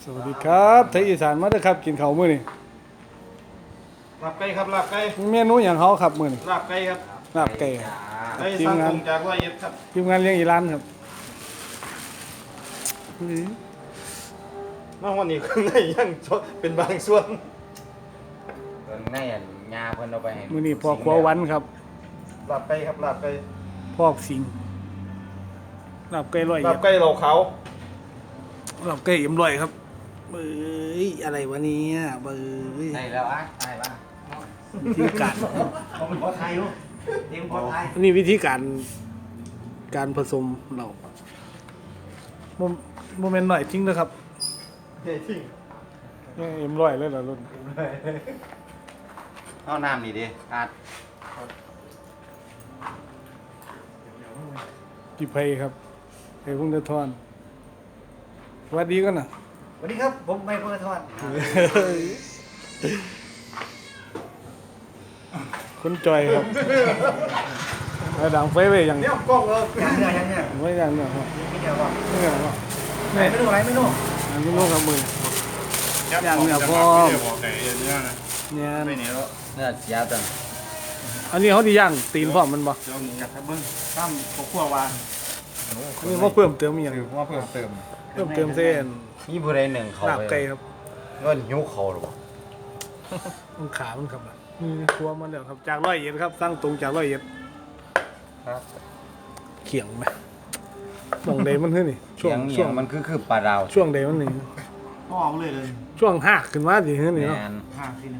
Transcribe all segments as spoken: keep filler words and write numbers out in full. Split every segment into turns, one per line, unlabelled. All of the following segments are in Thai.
สวัสดีครับไทยอีสานมาเด้อครับกินข้าวมื้อนี้
ลาบไก่ครับลาบไก่
เมนูหยังเฮาครับมื้อนี้
ลาบไก่ครับ
ลาบไก่
ไก่สั่งตรงจากร้อยเอ็ดครับ
ทีมงานเลี้ยงอีร้านครับ
มาวันนี้ข้างในยังเป็นบางส่วน
เพิ่นในอันยาเพิ่นเอาไปให้
มื้อนี้พ่อครัววันครับ
ลาบไก่ครับลาบไก่
พอกสิงลาบไก่ร้อย
ลาบไก่เหล่าเขา
ลาบไก่เอ็มร้อยครับเอ้ยอะไรวะเนี่ยเบ้ย
ได้แล้วอ่ะได้ป่ะ
วิธีการ
ผมเป็นคนไทยอยู่เต็มคนไทย
อันนี้วิธีการการผสมเราโมโมเมนต์หน่อยจริงนะครับ
เฮ้ยทิ้ง
เนี่ยเอ็มร้อยเลยเหรอรุ่น
เอาน้ำนี่ดิอาด
กี่เพยครับเพยพุ่งเดือทอนสวัสดีกันนะ
สวัสดีครับผมไม่พูดทอด
คุณจอยครับระดังไฟไว้อย่าง
เนี่ยกล้องเลย
ยังเนี่ยยังเนี่ย
ไว้อย่างเนี่ยครับ
ไม่เดียวว่า
นี่อย่างว่า
ไหนไม่รู้ไหนไม่รู้
อันนี้ลูกกับมืออย่างเนี่ยพอ
บอกไหนเนี่ยนะ
เนี่ย
ไม่เหนียว
เนี่ยเสียจัง
อันนี้เขาดีย่างตีนพร้อมมันบ่
เดี๋ยวกัดทับเบิ้งตั้มข้าวคั่ววาน
อันนี้เขาเพิ่มเติมอหย่าง
ถือว่าเพิ่มเติม
เพิ่มเติมเส้น
มีผู้ใดหนึ่งเขา
ลาบ
ไป
ไก่ครับ
เงินยุเขาหรือเปล่า
มันขามันครับนี่ครัวมันเดี๋ยวครับจากร้อยเอ็ดครับสร้างตรงจากร้อยเอ็ด
ครับ
เขียงไหมช่วงใดมันขึ้นนี่ช่
เสี
วย ง
ง
ช่
เนี่
วย ง
มันคือคือปลาดาว
ช่วงใดมันนี่
พ่อเอาเลยเลย
ช่วงหักขึ้นมาสิขึ้นนี่
แม
เนาะ
น
ห้าทีนึง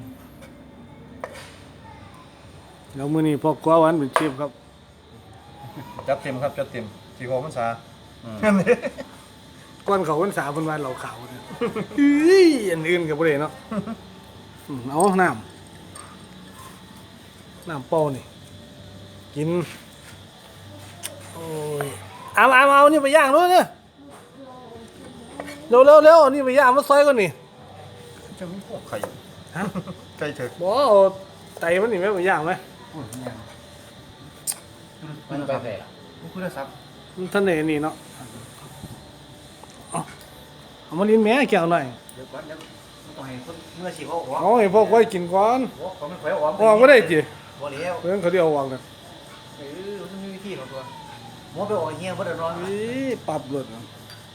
แล้วมื้อนี้พ่อกลัววันเป็นเชฟครับ
จัดเต็มครับจัดเต็มสี่หกพรรษา
อืม
ก้อนเขาวันสาเพิ่นว่าเราขาวเนี่ยอื้ออันอื่นก็บ่ได้เนาะอืมเอาน้ำน้ำเปล่านี่กินโอ้ยเอาเอาเอานี่ไปย่างด้วยเนี่ยเร็วเร็วเร็วเอานี่ไปย่างมาซอยก่อนนี่
จะมีพวกไข่
ฮะ
ไก่เถอะ
บ่เอาไตมันนี่แม่ไปย่างไหม
มันไปไหน
คุณได้ซับ
มันท่านไหนนี่เนาะเอาเอามาลิ้นแม่แก้วหน่อย
เดี๋ยวก่อนเดี๋ยวต้องให้คนเมื่อสิเขาออก
เอาให้พวกไว้กินก่อน
เขาไม่ค่อยออก
ออกบ่ได้จิ
บ่แล้ว
เพิ่นเขาเดียวออกกัน
เออมันมีวิธีของตัวหมอไปออกเฮียบ่ได้นอน
อีปรับรถเอา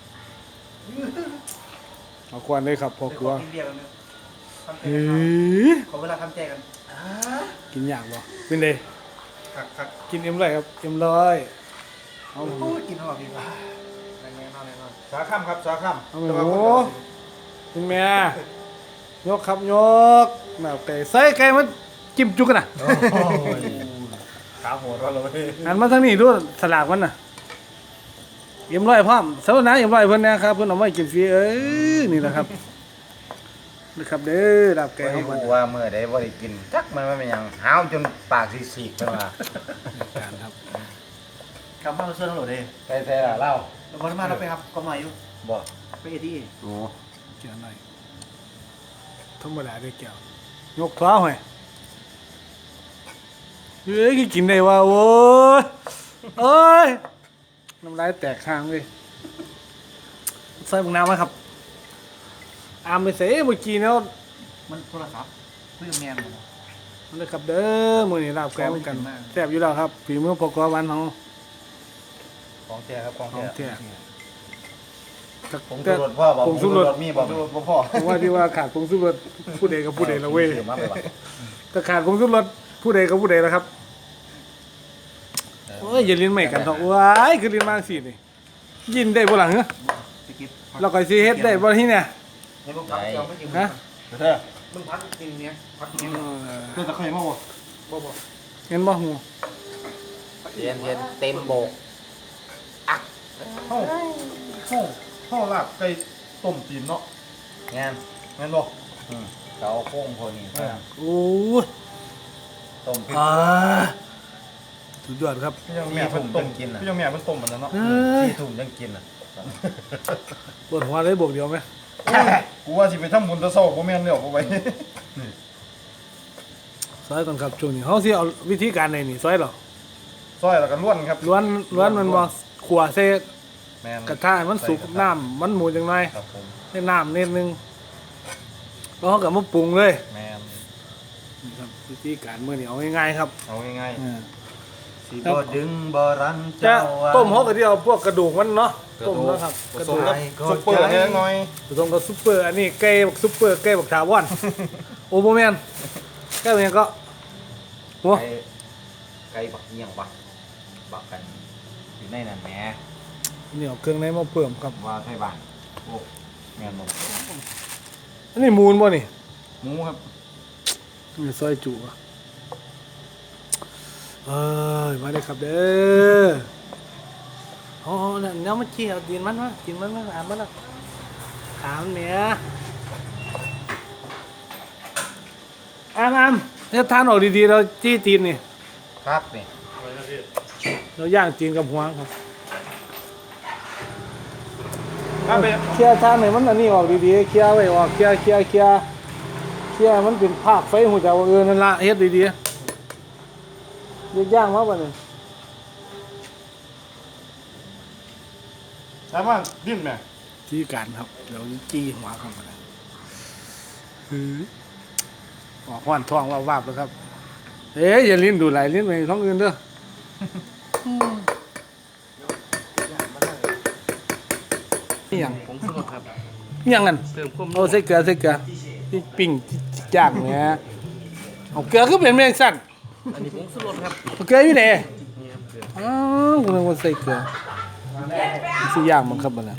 เอาควันเลยครับพอ
เดี๋ยว
กลัว
ขอกินเบียร์กันนึงทำใจ
เฮ้
กัน
ย
ก่อนขอเวลาทำใจกัน
กินยากบ่เป็นได
คักคัก
กินเอ็มร้อยครับเอ็มร้อยเอา
โอ้ยกินหอมดีกว่าแน่นอนแน่นอน
สาข้ามครับสาข้าม
เอาหมูกินแม่ยกครับยกแมวไก่ใส่ไก่มันจิ้มจุกกันน่ะ
ขาโหดเราเลย
หันมาทางนี้ดูสลากมันน่ะเอ็มร้อยพร้อมสวัสดีนะเอ็มร้อยเพิ่นนะครับเพิ่นเอามาให้กินฟรีเอ้ยนี่แหละครับนะครับเด้อลาบไก่
ไม่
เฮา
รู้ว่าเมื่อใดบ่ได้กินจักมันมันเป็นหยังหาวจนปากสีกๆไปว่า
การครับ
กลับบ้านเราเชื่อทั้งหมดเลย
ไปใส่ละเล่า
เราวันมาเราไปครับก็มาอยู่
บ่
ไปเอที่
โอ้
เกี่ยวหน่อยธรรมดาได้แก้วยกเท้าให้เฮ้ยกินได้ว่าโว้ยเอ้ยน้ำลายแตกข้างเลยใส่บุงน้ำไหมครับอามไปเสเมื่อกี้เนาะ
มันโทรศัพท์เพื่อนแมน
มันเลยครับเด้อมื้อนี้ลาบไก่เหมือนกันแซ่บอยู่แล้วครับฝีมือปกอวันเฮา
ของแท้ครับของ
ขอ
แท้
งแท้
ผมสุรสพ่อบอก
ผงสุรส
มีบอก
ดูพ่อ
ผมว่าที่ว่าขาดผงสุรสผู้ใดกับผู้ใดละเว้ย
ซื้อมาไปว่ะ
ถ้าขาดผงสุรสผู้ใดกับผู้ใดละครับโอ้ยอย่าลิ้นใหม่กันเถอะว้ายคือลิ้นมาสินี่ยินได้บ่ล่ะเหรอ
สกิป
เราก็สิเฮ็ดได้บ่ที่เนี่ย
ในพวกพักเราไม่กิน
ฮะ
เถอะ
มึงพักกินเนี้ยพักกิน
เออ
เพื่อนตะไคร้มาบ่
บ่บ่
เห็นบ่ฮู้
เรียนเรียนเต็มโบก
ห้องห้องห้องลาบไก่ต้มจีนเนาะ
งาน
งั้นบ่
อืมเขาเอาโค้งพวกนี้
โอ้ย
ต้มพริก
อ่าสุดยอดครับ
พี่ยังแม่เพิ่นต้มกินพี่ยังแม่เพิ่นต้มมันนั้นเนาะ
เอ้ย
ที่ทุ่มยังกินอ่ะ
ปวดหัวเลยบวกเดียวไหม
กูว่าสิไปทำบุญตะเศร้าบ่แม่นแล้วบ่ไหว
ซอยก่อนครับช่วงนี้เฮาสิเอาวิธีการไหนนี่ซอยเหรอ
ซอยแล้วก็ล้วนครับ
ล้วนล้วนมันบ่ขัวใส่
แม่น
กระทะให้มันสุกน้ำมันหมูจังไง
ครับผม
ให้น้ำนิดนึงแล้วเขาก็มาปรุงเลย
แม่น
นี่ครับวิธีการมื้อนี้เอาง่ายๆครับ
เอาง่าย
อ่า
ๆสิบ่ดึงบ่รั้ง
จะ
เจ้าว่า
ต้มเขาก็ที่เอาพวกกระดูกมันเนาะต้มแล้วครับ
ผ
กระ
ส
ดู
ม
ก
กั
กั
บบ ซุ
ซุ
ป
ป
เป
เป
อ
อ
ร์
ร์
เล็กน้อย
ผสมกับซุปเปอร์อันนี้ไก่บักซุปเปอร์ไก่บักถาวรโอ้โหแม่นไก่เป็นหยังก็หัว
ไก่ไก่บักเอียงบักบักกันอยู่ในนั่นแหม
นี่เอาเครื่องในมาเพิ่มครับ
ว่าไทยบ้านโอ้แม่นบ่
อันนี้มูนบ่นี่
หมูครับ
นี่ซอยจุอ่ะเอ้ยมาเลยครับเด้อโอ้เนี่ยเนื้อมันขี้เอากินมันวะกินมันมันถามมันละถามเนี้ยอามอามเนี่ยทานออกดีๆเราจี้ตีนนี่
ครับนี่
เราย่างตีนกับหัวครับ
ถ้าเป็น
เคลียร์ทานไหนมันอันนี้ออกดีๆเคลียร์ไว้ออกเคลียร์เคลียร์เคลียร์เคลียร์มันเป็นภาคไฟหูจักว่าเออนั่นละเฮ็ดดีๆเรียกย่างมาบ่เนี่ย
ถามว่าดิ้นไหม
ที่การครับเราจี้หัวเข้ามาเลยหือออกห้อนท้องว่าวาบแล้วครับ เอ๊ยอย่าลิ้นดูไหลลิ้นไปท้องอื่นเด้อนี่ยัง
ผงชูรสครับ
นี่ยังกัน
เติมความ
เอาใส่เกลือใส่เกลือที่ปิ้งย่างเนี่ยเอาเกลือก็เป็นแมงสั่น
อันนี้ผงชูรสครับ
เอาเกลืออยู่ไหน
นี่ครับเกลือ
อ้าวคุณนึกว่าใส่เกลือสิย่างมันครับมันนะ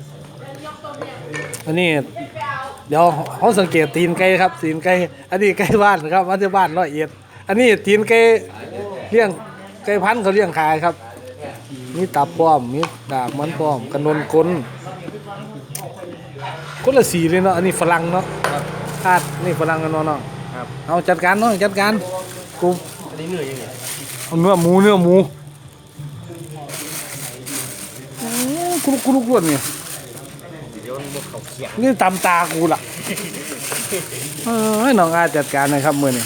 อันนี้เดี๋ยวเขาสังเกตตีนไก่ครับตีนไก่อันนี้ไก่บ้านนะครับมาที่บ้านร้อยเอ็ดอันนี้ตีนไก่เลี้ยงไก่พันธุ์เขาเลี้ยงขายครับมีตับป้อมมีดากมันป้อมกระนนกลคนละสีเลยเนาะอันนี้ฝรั่งเนาะคาดนี่ฝรั่งกันเนาะเนาะ
ครับ
เอาจัดการเนาะจัดการกู
อันนี้เนื้อยังไง
เอาเนื้อหมูเนื้อหมูอื้อกุลุกกุลุกล้วนเนี่ย
เดี๋ยวมันบ่เข้าเคียง
นี่ตำตากูล่ะเอ้ยน้องอาจัดการหนะครับมื้อนี้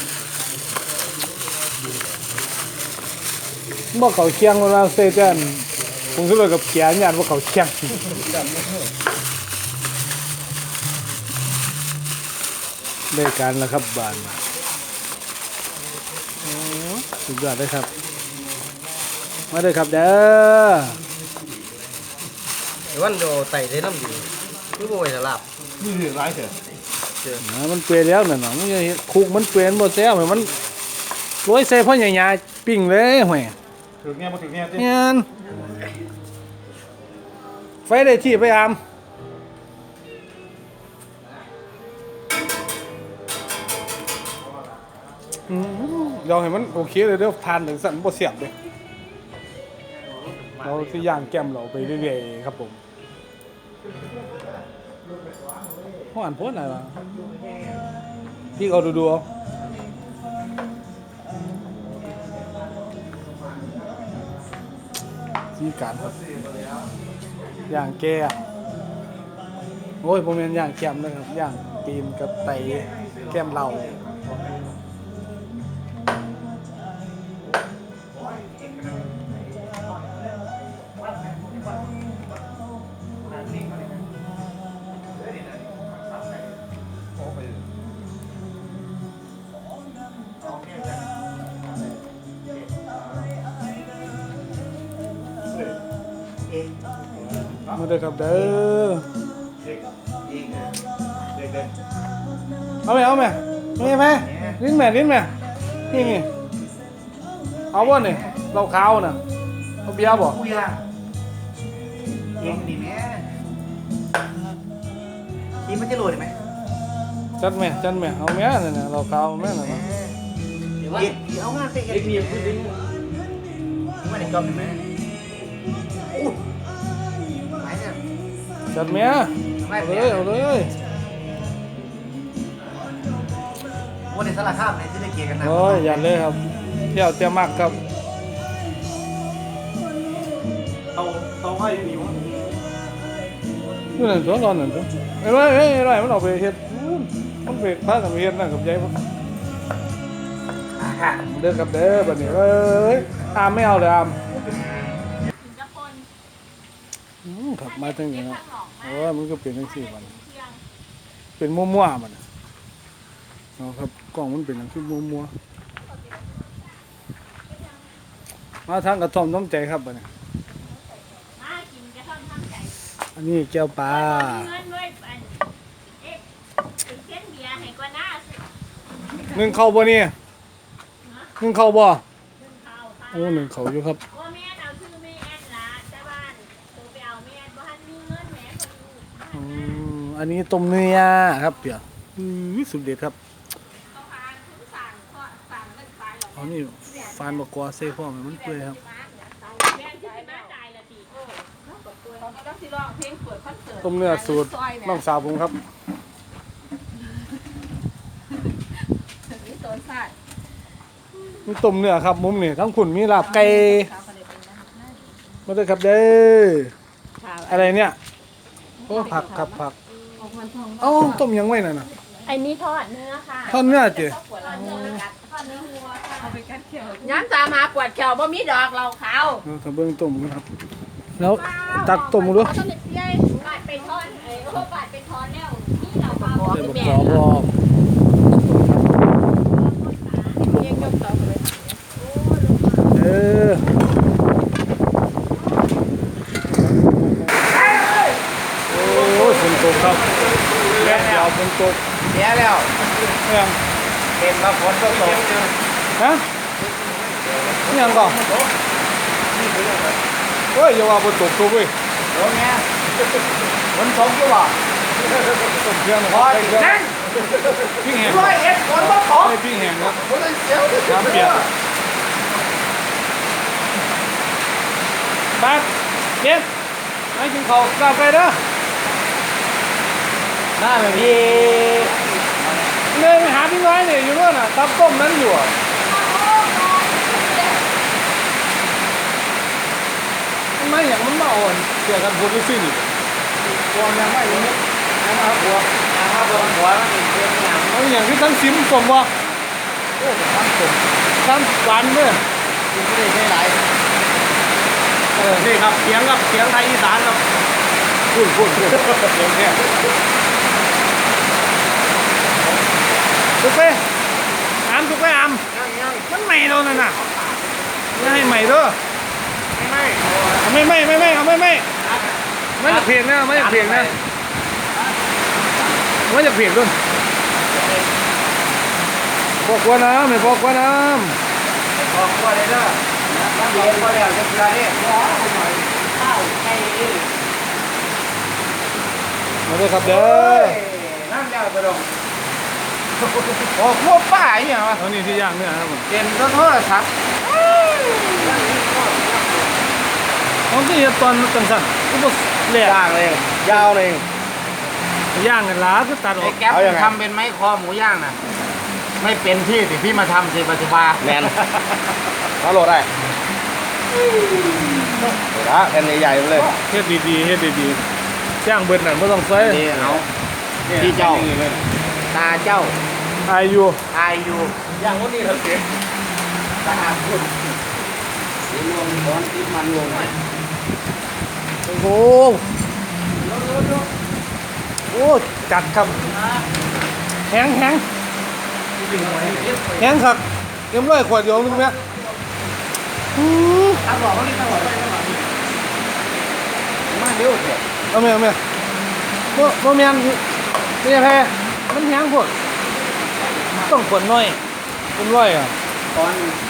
บ่เขาเคียงเวลาเซเจนผมก็เลยกับเกียร์ญาติบ่เขาเคียงได้การแล้วครับบ้านโอ้สุดยอดเลยครับมาเลยครับเด้อ
เดี๋ยววันโดไต่ได้น้ำดีคือบ่ไหวจะหลับ
นี่เหลือร้ายเถอะ
อ่ามันเปื่อยแล้วน่ะเนาะมันยังเฮ็ดคุกมันเปื่อยมันบ่แซ่บมันโรยใส่พ่อใหญ่ๆปิ้งเลยแหว
ถึงเนี่ยมาถึงเนี่ย
แม่นไฟได้ที่ไปอามอืมเดี๋ยวให้มันโอเคเลยเดี๋ยวทานถึงสั่นบ่เสียบเด้เราสิย่างแก้มเราไปเรื่อยๆครับผมห้อนโพดอะไรวะพี่เอาดูๆเอาที่การครับย่างแก้มโอ้ยผมเป็นย่างแก้มนะครับย่างตีนกับไตแก้มเรามาเด้อครับเด้อเอาไหมเอาไหมนี่ไหมลิ้นแม่ลิ้นแม่นี่นี่เอาบ่นี่เราขาวน่ะเอาเบียร์บ่
กูย่างเองดีแม่ทีมันจะโหลดได้ไหม
จัดแม่จัดแม่เอาแม่นั่นน่ะเราขาวแม่น่ะเนาะ
เดี๋ยวว่าเดี๋ยวเอางานไปเอ็ดเมียพูดดิ้งไม่ได้กำไหมอู้หมายเนี่ย
จัดแม่เอาเลยเอาเลย
วันในสารคามในที่ได้เกียร์กันนะ
โอ้ยอย่าเลยครับเที่ยวเที่ยวมากครับ
เตาเตาให้หนิว
นี่นั่นตัวตอนนั้นตัวไอ้ไรไอ้ไรมันออกไปเฮ็ดอู้มันไปพากันไปเฮ็ดนั่นกับยายมันเด้อครับเด้อบัดนี้เอ้ยอามไม่เอาเลยอามอืมมครับมาตั้งอย่างนั้นโอ้ยมันก็เป็นทั้งสี่วันเป็นมั่วๆมันเนาะครับกล้องมันเป็นอย่างที่มั่วๆมาทางกระท่อมน้ำใจครับบัดนี้
มากินกระท่อมทำใจ
อันนี้แก้วปลา
เงินด้วยอันเอ๊ะเป็นเส้นเบียร์ให้กว่าหน้าสิ
หนึ่งเข้าบ่นี่หนึ่งเข้าบ่
หนึ่งข้าวค่ะ
โอ้หนึ่งเข้าอยู่ครับ
ว่าแม่เอาชื่อแม่แอนละแต่บ้านตัวไปเอาแม่บ้านมีเงินแม่คนอยู่
อืมอันนี้ต้มเนื้อครับเปียกอืมสุดเด็ดครับ
เขาพานทุกสั่งก็สั่งเงินขายหรอก
อันนี้ฟานบกกอเซ่พ่อมันมันเปื่อยครับ
แม่ที่มาจ่ายละตีโอ้เขาก็ต้องสิร้องเพลงเปิดคอนเสิร์ต
ต้มเนื้อสูตรน้องสาวผมครับ
นี่โซนสัตว์
มีต้มเนื้อครับมุมนี่ทั้งขุนมีลาบไก่มาด้วยครับเด้ออะไรเนี่ยโอ้ผักครับผักเอ้าต้มยังไว้น่ะนะ
ไอ้นี่ทอดเนื้อค่ะ
ทอดเนื้อเจี๋ย
ทอดเนื้อทอดเนื้อวัวค่ะเอาไปกัดเขียว
ย้ำตามาปวดแขวบ่มีดอกเราขาว
เอาถ้าเบิ่งต้มกันครับ แล้วตักต้มดู
เขาต้องเลี้ยงบาดไปทอนเอ้ยโอ้บาดไปทอนแล้วนี่เราเปล่า
ใส่บกกอบอ
เรียกยกเสาเลย
เออโอ้ยฝนตกครับแป๊บเดียวฝนตก
เสียแล้ว
เนี่ยง
เป็นมาฝนตกตก
ฮะนี่ยังก่อนเฮ้ยอย่าว่าฝนตกตกเว้ย
โอ้แม่ฝนตกอยู่บ่
ต้มเครื่องนะค
พ
รับ
อ
ใส่
สิ
เครื่อง
นั่น
พริกแห้ง
ร้อยเอ็ดฝนบ่ตก
ใส่พริกแห้งครับ
ฝนเสียว
น้ำเปียกบัดเย็นให้กินข้าวกลับไปเด้อ
หน้าแบบนี้
เลยไปหาพี่น้อยเนี่ยอยู่นู่นน่ะตับต้มนั้นอยู่อ่ะมันไม่อย่างมันมาอ่อนเกี่ยวกันพูดซินี่ตัวยังไม่ยังยังมาหัว
นะครับบนหัวมันเป็นอย่าง
เอาอย่างที่ทั้งซิมผมบ่โอ้ทั้งผมทั้งหวานเด้อ
กินไม่ได้หลาย
เออนี่ครับเสียงครับเสียงไทยอีสานครับพูดพูดพูดเสียงแค่ทุกเป้อามทุกเป้อาม
ยังยัง
มันใหม่แล้วนั่นน่ะไม่ให้ใหม่เด้อ
ไม่
เอาไม่ไม่ไม่ไม่เอาไม่ไม่ไม่จะเพียงนะไม่จะเพียงนะไม่จะเพียงด้วยพอกว่าน้ำไม่พอกว่าน้
บอกว่าเลยเด้อน้ำเย็นก็แล้วจะเกลือนี่
ข้าวไก่
ำมาด้วยครับเด้อ
น้ำแล้วกระดงโอ้พวกป้าเนี่ยมา
เอานี่ที่ย่างเนี่ยครับผม
เต็มโทรศัพท์
เขาที่ตอนจังสันก็บอกเละ
ย่างเลยยาวเลย
ย่างกันล้าก็ตัดอ
ไอ้
อก
แก๊ปทำเป็นไม้คอหมูย่างน่ะไม่เป็นที่สิพี่มาทำสิปัจจุบันแมนมาโหลดได้ละแผ่นใหญ่ๆเลย
เฮ็ดดีๆเฮ็ดดีๆย่างเบิดนั่นไม่ต้องใส่
นี่เอาที่เจ้าตาเจ้า
อายุ
ตายอยู่ย่างวันนี้เราเสียตาคุณสีม่วงร้อนติดมันลง
โอ้โหโอ้จัดครับแห้งแห้งแห้งครับเอ็มร้อยขวดเดียวนึงไหมอือ
ตาบอกว่านี่ตาบอกมาเร็วเถอะ
เอาไหมเอาไหมบ่บ่แม่นนี่แพ้มันแห้งโพดต้องขวดน้อยเป็นร้อยอ่ะ
ตอน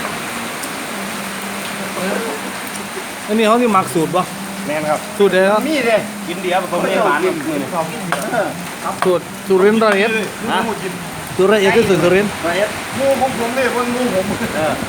อันนี้เขาที่หมักสูตรป่ะ
แมนครับ
สูตรอะไรครับ
มีเลยกินเดียวผมไม่หวานเลย
สูตรสุรินทร์ร้อยเอ็ด
ฮะ
สูตรร้อยเอ็ดคือสูตรสุรินทร์
ร้อยเอ็ดงูของผมเลยคนงูผมเออก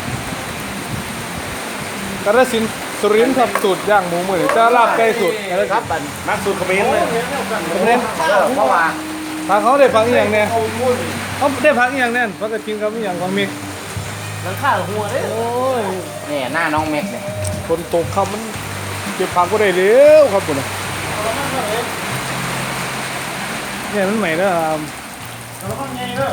ระสินธุ์สุรินทร์ครับสูตรย่างหมูมือจะลาบไก่สูตรอะไร
ค
ค
รั
รั
บบ บันนักสูตรเขมรเลย
เขมร
เออเพราะว่า
ทางเขาได้ฟังอหย่างเนี่ยเขาได้พักอหย่างแน่นพักกระทิงครับอหย่างของมี
หลังข้าวหัวเด้
โอ้ย
เนี่ยหน้าน้องเม็กเนี่ย
คนตกครับมันเก็บผักก็ได้เร็วครับผมเนี่ยมันใหม่แล้วครับ
แล้วก็ไงเด้อ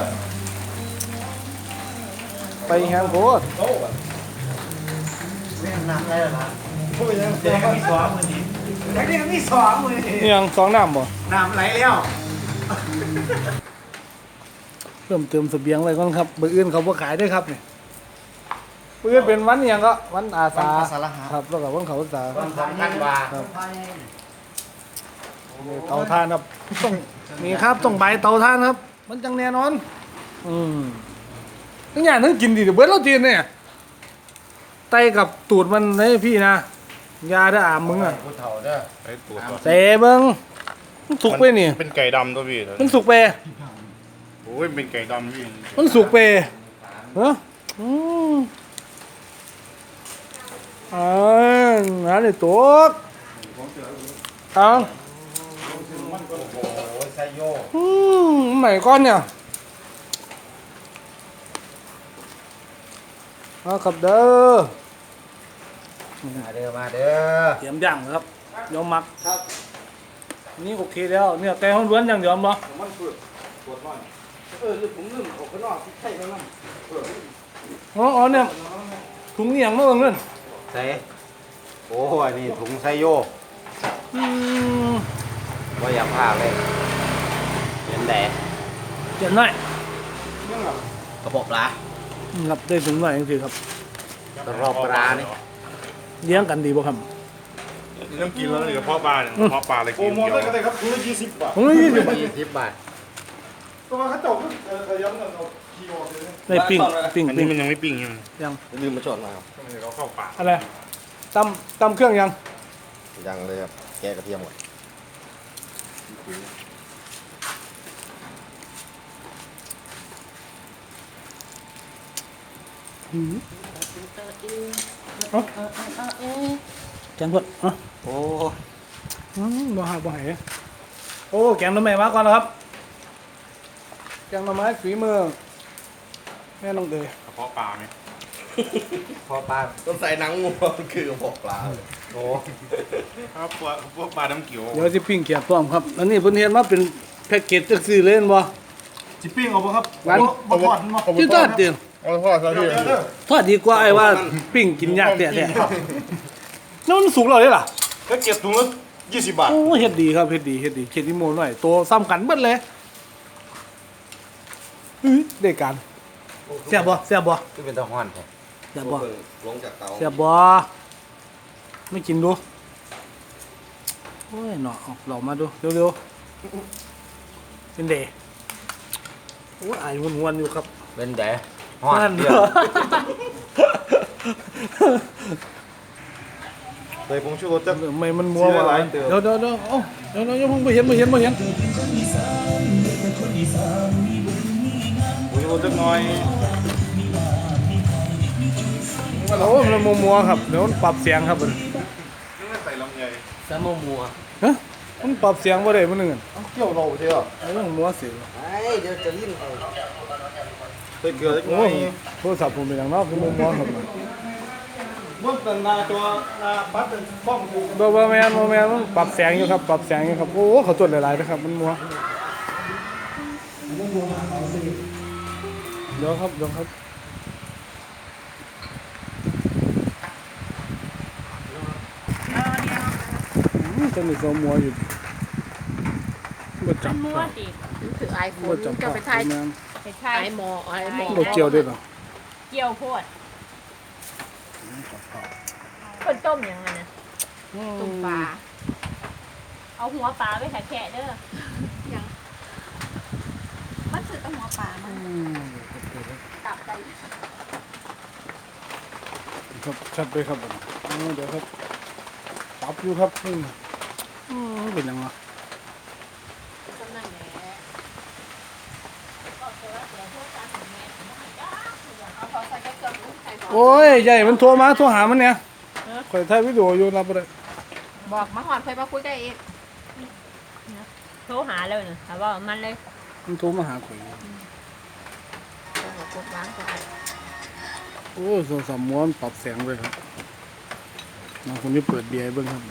ไปแฮงโพด
เนี่ยหนักเลยเหรอพูดยังเสียงมีซ้อมมันดีแต่นี่ก็มีสองเลย
นี่ยังสองน้ำบ่
น้ำไหลแล้ว
เพิ่มเติมเสบียงอะไรก่อนครับเบอร์อื่นเขาบ่ขายด้วยครับเนี่ยเบอร์อื่นเป็นวันอหย่างก็วันอาสาครับแล้วก็วันเขาอาสา
วันสำคัญว่า
เตาถ่านครับต้องนี่ครับต้องใบเตาถ่านครับ มันจังแน่นอน อืมทั้งอย่างทั้งกินดิเดี๋ยวเบิร์ดเราจีนเนี่ยไตกับตูดมันให้พี่นะยาได้ออามมึงอ่ะ
ผู้เฒ่าเด้อไอ้ตัวตัว
เตะเบิ้งมันสุกไปนี่
เป็นไก่ดำตัวพี่
มันสุกไป
โอ้ยเป็นไก่ดำพี่
มันสุกไปเฮ้ออืมอ่าหาเลยตัวเอา
โอ้ยไซโย
อืมใหม่ก้อนเนี่ยเอาครับเด้อ
มาเด้อมาเด้อ
เตรียมย่างครับเดี๋ยวหมักครับนี่โอเคแล้วเนี่ยไก่ห้องล้วนอย่างเดียวมั้ง
มันเปิดปวดน้อย
เออผมลืมออกข้างนอกใช่แล้วนั่นอ๋ออ๋อเนี่ยถุงเอียงมาเบิ่งนั่น
ใส่โอ้ยนี่ถุงไซโย
อืม
ว่าอยากพาเลยเห็นแดด
เจ็บหน่อย
กระบอกปลา
อืมครับได้ถุงหน่อยจริงๆครับ
กระบอกปลานี่
เลี้ยงกันดีบ่ครับ
เริ่มกินแล้วนี่กระเพาะปลาเนี่ยกระเพาะปลาอะไรกินโอ้โหได้ก็ได้ครับถุงละยี่สิบบาท
ผมเลยยี่สิบ
ยี่สิบบาท
ตัวเขาเจ้าเออเขาย้ำกันเอาคีย์ออกเลย
ได้ปิ้งปิ้ง
อัน
ปิ้
นี้
ง
มันยังไม่ปิ้งใช่ไหม
ยัง
ลืมมาชดมาครับ
เขาเข้าปาก
อะไรตำตำเครื่องยัง
ยังเลยครับ แกะกระเทียมก่อน
อืมเอาแกงเพื่อนอ่ะ
โอ้
อืมบ่หาบ่หายโอ้แกงหน่อไม้มาก่อนแล้วครับแกงหน่อไม้ฝีมือแม่น้องเดย
กระเพาะปลาไหม
พอปลา
ต้องใส่หนังงูมันคือกระบอกปลาเลย
โอ้
ครับพวกพวกปลาน้ำเขียว
เดี๋ยวสิปิ้งเกี๊ยวต้มครับอันนี้เพิ่นเฮ็ดมาเป็นแพ็กเกจจังซี่เลยเห็นบ่
จิปิ้งเอาปะครับ
หวาน
บ่ทอดมั้ง
ที่ทอดเดียว
เอาทอดซะพี่
ทอดดีกว่าไอ้ว่าปิ้งกินยากแท้ๆแล้วมันสุกแล้วเด้ล่ะ
ก็เก็บถุงละยี่สิบบาท
โอ้เฮ็ดดีครับเฮ็ดดีเฮ็ดดีเฮ็ดอีโมหน่อยโตซ้ำกันเบิดเลยอื้อได้การแซ่บบ่แซ่บบ่
ที่เป็นตะห้อนแท้
แซ่บบ่
ลงจากเตา
แซ่บบ่ไม่กินดูโอ้ยเนาะเอาเรามาดูเร็วๆเป็นเดโอ้ยอายงวนๆอยู่ครับ
เป็นแดดห้อน
นั่น
เดื
เด้
อ
อ
ด
ใส่ผงชูรสจะ
ไม่มันมัววะเดี๋ยวเดี๋ยวเดี๋ยวเอ้าเดี๋ยวเดี๋ยวอย่าเพิ่งไปเห็นไปเห็นไปเห็น
ผงชูรสจะน้อย
โอ้มันมัวมัวๆครับเดี๋ยวมันปรับเสียงครับมัน
นี่ใส่ลำไย
แซมมัว
ฮะมันปรับเสียงบ่ได้มันนึงอะ
เกี่ยวเราใช่ไหม
ไอ้เรื่องมัวเสียง
ไอ้เดี๋ยวจะลิ้นเอา
ใส่เกลือเล็กน้
โอ้
อย
โทรศัพท์ผมเป็นอย่างนอกคือมัวมัวครับ
เมื่อตันนาตัวนาปัดเป็นบ้องกู
บ่บ่แม่นบ่แม่นมันปรับแสงอยู่ครับปรับแสงอยู่ครับโอ้เขาตรวจหลายๆนะครับมันมัวเดี๋ยวครับเดี๋ยวครับอืมจะมีตัวมัวอยู่บ่จับ
มั่วสิ
ถือไอโฟ
บ่
น
จับ
จะไป
ไท
ถ่าย
ยแม่น
ไปใช่
ไอหมอไอหมอ
บ่เกี่ยวด้วยเหรอ
เกี่ยวโพดคนต้มยังไงนะต้มปลาเอาหัวปลาไปแคะๆเด้อยังมันคือต้องหัวปลามัน
อืม
ตับใจ
ครับชัดเลยครับผมอ๋อเดี๋ยวครับปรับอยู่ครับนี่อืมเป็นยังไง
กำลังแหน่ก็เจอเสียพวกการของแม่เอาพอใส่แค่เกลือรู้ใส่พอ
โอ้ยใหญ่มันโทรมาโทรหามันเนี่ยข่อยถ่ายวิดีโออยู่รับบ่ได้
บอกมาหอนเคยมาคุยกันเอง
โทรหาเลยนะแต่ว่ามันเลย
มันโทรมาหาข่อย
กดล้างกัน
โอ้ยโทรศัพท์ม้วนปรับแสงเลยครับน้องคนนี้เปิดเบียร์ให้เบิ่งครับ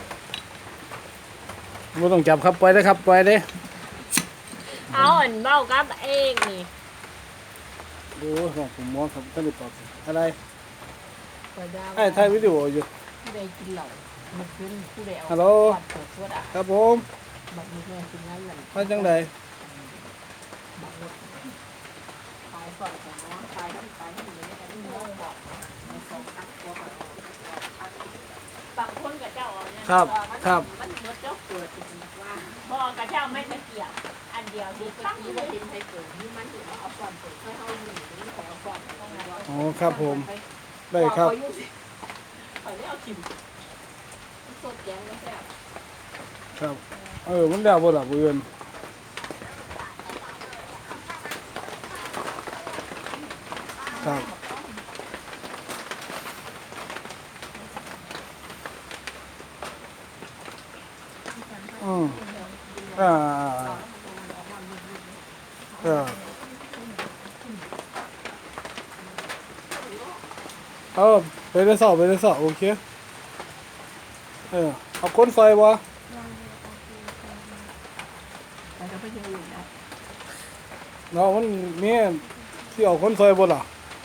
บ่ต้องจับครับปล่อยได้ครับปล่อยได้
เอาอันเบ้ากับเองนี่
โอ้ยของผมม้วนครับท่านได้ปรับแสงอะไร
เปิดดาว
ไอ้ถ่ายวิดีโออยู่
ได้กินเหล่า
อ
มันขึ้นผู้เดียว
ฮัลโหล
ปัดเปิดตัวด่า
ครับผม
บักมือแม่กินนั่นแหละ
มาจังได
บักรถขายก่อนของน้องขายที่ขายที่อยู่ในกันที่น้องบอกมาสองตักตัวก่อน
บางคนกับเจ้าเนี่ย
ครับครับ
มันเมื่อเจ้า
เปิดเป็นว่า
พ่อกับเจ้าไม่ตะเกียบอันเดียวดี
เมื่อ
ตั้ง
กี้
เล
ว่าย เป็นไทยเปิดที่มันถือว่าเอาก่อนเปิดให้เขาอยู่นี่ของเอาก่อนต้องมา
อ๋อครับผมได้ครับ
ไปไม่เอาจิ้มสดแยงแล้วแซ่บ
ครับเออมันแล้วบ่ล่ะบ่เอิ้นครับอืมอ่าเออเอาไปได้สอบไปได้สอบโอเคเออเอาคนซอยบ่
แต่ก็ไม่ยังอยู่นะ
เนาะมันมีที่เอาคนซอยบ่ล่ะ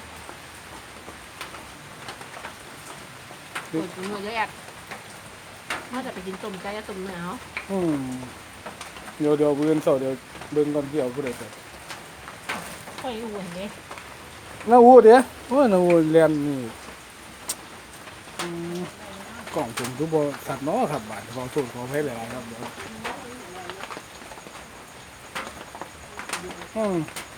ปวดหัวเยอะแยะน่าจะไปกินต้มไก่ต้มเนื้อเนาะ
อืมเดี๋ยวเดี๋ยวเบิ่งเสาเดี๋ยวเบิ่งก่อนที่เอาผู้ใดไป
ค่อยอ้วนเลย
น้าอูเด้โอ้ยน้าอูเรียนนี่อืมกล่องผมคือบ่สัตว์เนาะครับบาดขอโทษขออภัยหลายๆครับเดี๋ยวอืม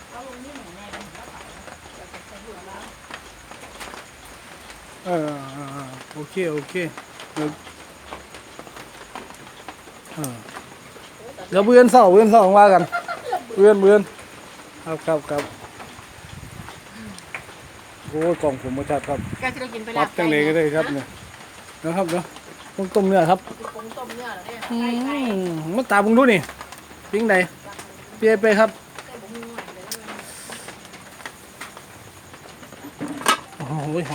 เออโอเคโอเคเดี๋ยวเออเดี๋ยวเบื่อนเสาเบื่อนเสาว่ากันเบื่อนเบื่อนครับครับครับโอ้ยกล่องผมมาจัดครับ
แกจะได้กินไป
ป
แล้
รั
ว
บจังเลยก็ได้ครับเนี่ยนะครับเนาะต้มต้มเนื้อครับ
ปรุงต้มเนื้อแล้วเนี่ย
อืมมาตาบุงดูนี่ปิ้งใดเปียไปครับโอ้โหหอน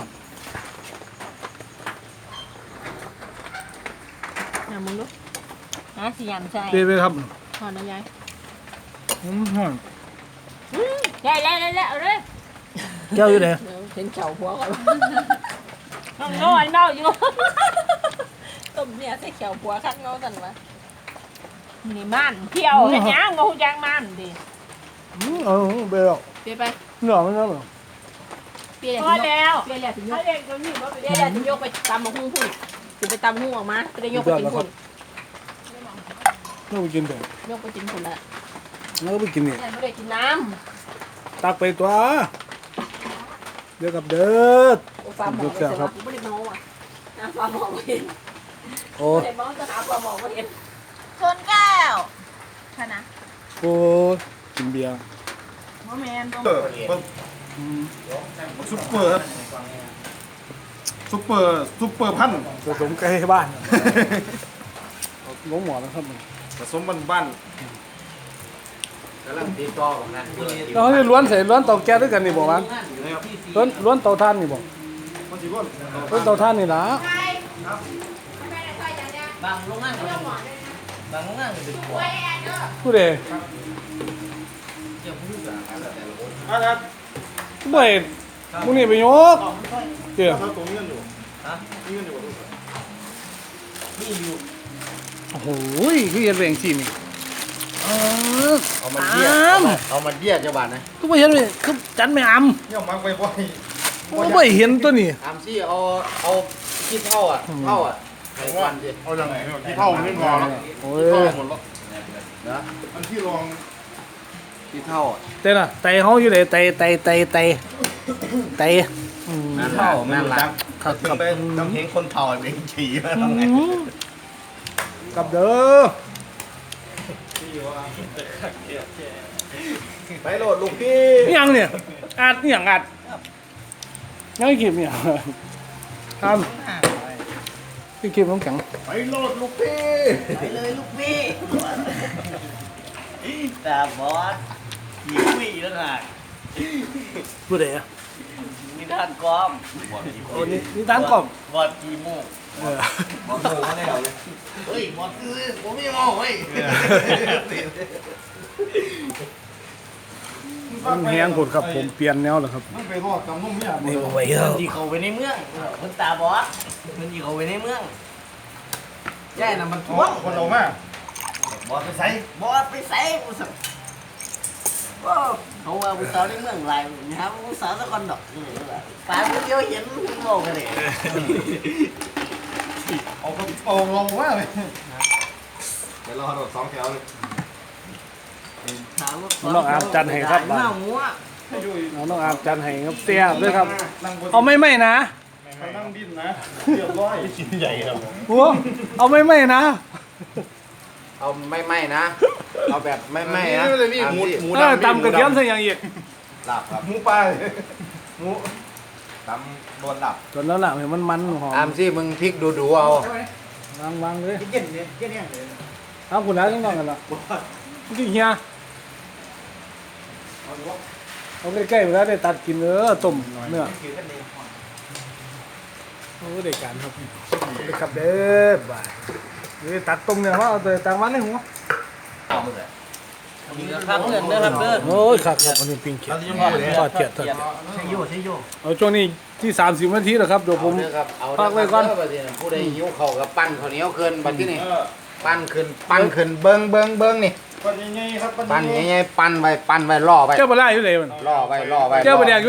อย่ามึงดูนะสิยำใช่
เปียไปครับ
ทอนนะยาย
อืมหอน
ได้แล้วได้แล้วเลย
แก้วอยู่ไหน
เดี๋ยวเห็นเข่าหัวก่อน
น้องน้อยเน่าอยู่
ต้มเนี่ยใส่เข่าหัวคักเงาสันวะ
นี่มันเที่ยวเห็นยังงูยางมันดิ
อืมเออเปียแล้ว
เปียไป
เนื้อมันเนื้อเหรอ
เปีย
พอแล้ว
เปียแหละถึงย
เขา
ก
เรียกตัวนี้ว่าไป
เปียแหละถึงยกไปตำมะฮุ่งพุ่นถึงไปตำหุ่งออกมาไปได้ยกไปกินพุ่น
เนื้อไปกินเดี๋ยวย
กไปกินพุ่นละ
เนื้อไปกินนี่
แต่ไม่ได้กินน้
ตักไปตัวเดี๋ยวกับเด้อ
ำโอ้ฟ้าหมอไปเสร็จแล้วไม่ได้เมาอ่ะน้ำฟ้าหมอไม่เห็น
โอ้
ไม่ได้เมาจะหาฟ้าหมอไม่เห็น
ชนแก้วชนะ
โอ้กินเบียร์
โมเมนต์
เออมัน
อืม
ซุปเปอร์ครับซุปเปอร์ซุปเปอร์พันธุ์
ผสมไก่บ้านล้มหมอแล้วครับมัน
ผสมบ้านบ้าน
กำลังตีต่อของนั้น
เราให้ล้วนใส่ล้วนเตาแก๊สด้วยกันนี่บอกว่าล้วนล้วนเตาถ่านนี่บอก
มันสิว่า
ล้วนเตาถ่านนี่ล่ะ
บางโรงงานก็เป็นบางโรงงานก็เป็นหัว
ผู้ใด
เกี่ยวกับการแต่ละคน
ครับ
ผู้ใดมึงนี่ไปยกเดี๋ยว
ถ้าตรงนี้อยู่
ฮะ
นี่อยู่
นี่อยู่
โอ้โหคือเห็นแรงสินี่เออ
เอามันเบี้ย
อ้าม
เอามันเบี้ยจังหวัดนะ
ก็ไม่เห็นเลยคือจันไม่อำ
เนี่ยมักไปบ่อย
ก็ไม่เห็นตัวนี้
ตามที่เอาเอาขี้เท่าอ่ะเท่าอ่ะไอ้ควันดิ
เอาอย่างไรที่เท่าไม่พอแล้ว
โอ้
ที่เท่าย หมดแล้ว
นะ
อันที่รอง
ขี้เท่าอ่ะ
เต้น่ะไตเฮาอยู่ไหนไตไตไตไตไตอืม
ขี้เท่าแม่นรัก
ครับ
ถึ
ครั
ง
บ
ไปทำเพลงคนเท่าไอ้เพลงขี่มาทำไง
อืมกลับเด้อ
ไปโหลดลูกพี่
นี่ยังเนี่ยอัดนี่ยังอัดยังไม่เก็บเนี่ยครับพี่เก็บน้ำแข็ง
ไปโหลดลูกพี่ไปเลยลูกพี่ตาบอสขี่วิ่งแล้วไง
พูดเลยอ่ะ
นิทานกอมบอสขี่
โอ้นี่นี่ตั้งกล่อง
บอสขี่มู
เออบ
อสโง่แน่เลยเฮ้ยบอสคือผมไม่โง่เฮ้ย
มันแห้งผดครับผมเปลี่ยนแนวแล้วครับ
มันไปรอดจำนุ่มเนี่ย
นี่เอาไว้เถ
มัน
อะ
จีเขาไปในเมืองมันตาบอสมันจีเขาไปในเมืองย่น่ะมัน
อ๋
ท่
อ
วง
คนเรามาก
บอดไปใส่
บอดไปใส่กูสับว้าวเขาว่าผู้สาวในเมืองหลายนะครับผู้สาวสักคนดอกนี่แหละปลาผู้เดียวเห็นคุณบอกกันเลย
เอากระโปรงลงมากเลยเดี๋ยวรอโดดสองแถวเลย
ถามว่า
น้องอาร์มจันให้ครับ
หน้าหมูอ่ะ
เอาน้องอาบจันให้ครับเสียบด้วยครับ
นั่งบน
เอาไม่ไม่นะ
นั่งดิ้นนะเรียบร้อยชิ้นใหญ่ครับ
หัวเอาไม่ไม่นะ
เอาไม่ไม่นะ เอาแบบไม่ไม่นะ
นี่เลยนี่หมูหมู
เออตำกระเทียมใส่อย่างอีก
หลับครับ
หมูปลา
ตำโดนหลับ
จนแล้วล่ะเห็นมันมันหอ
อาม
ม
สิมึงพริกดูดูเอา
วางวางเลย
เย็นเนี่ยเย็นเนี่ยเลย
เอาคุณแล้วต้องนอนกันละจริงเฮียเอาใกล้ๆเวลาได้ตัดกินเออต้มเนื้อโอ้ได้การครับได้ครับเด้อบ่ายนี่ตัดต้มเนื้อว่าเอาแต่ต่างวันเลยหัว
ข้างเงินนะครับเด้อ
โอ้ยครับครับอันนี้ปิ้งเขียดทอดเขียดทอดเขียด
ใช่โยใช่โย
เอาช่วงนี้ที่สามสิบนาทีแล้วครับเดี๋ยวผม
เอาเด้อครับเอา
พักไว้ก่อน
เด้อบัดนี้ผู้ใดหิวข้าวก็ปั้นข้าวเหนียวขึ้นบัดนี้นี่ปั้นขึ้นปั้นขึ้นเบิ่งเบิ่งเบิ่งนี่
ปั้นใหญ่ๆครับ
ปั้นใหญ่ๆปั้นไว้ปั้นไว้ล่อไว้
เจ้าบ่ได้อยู่เลยมัน
ล่อไว้ล่อไว้
เจ้าบ่ได้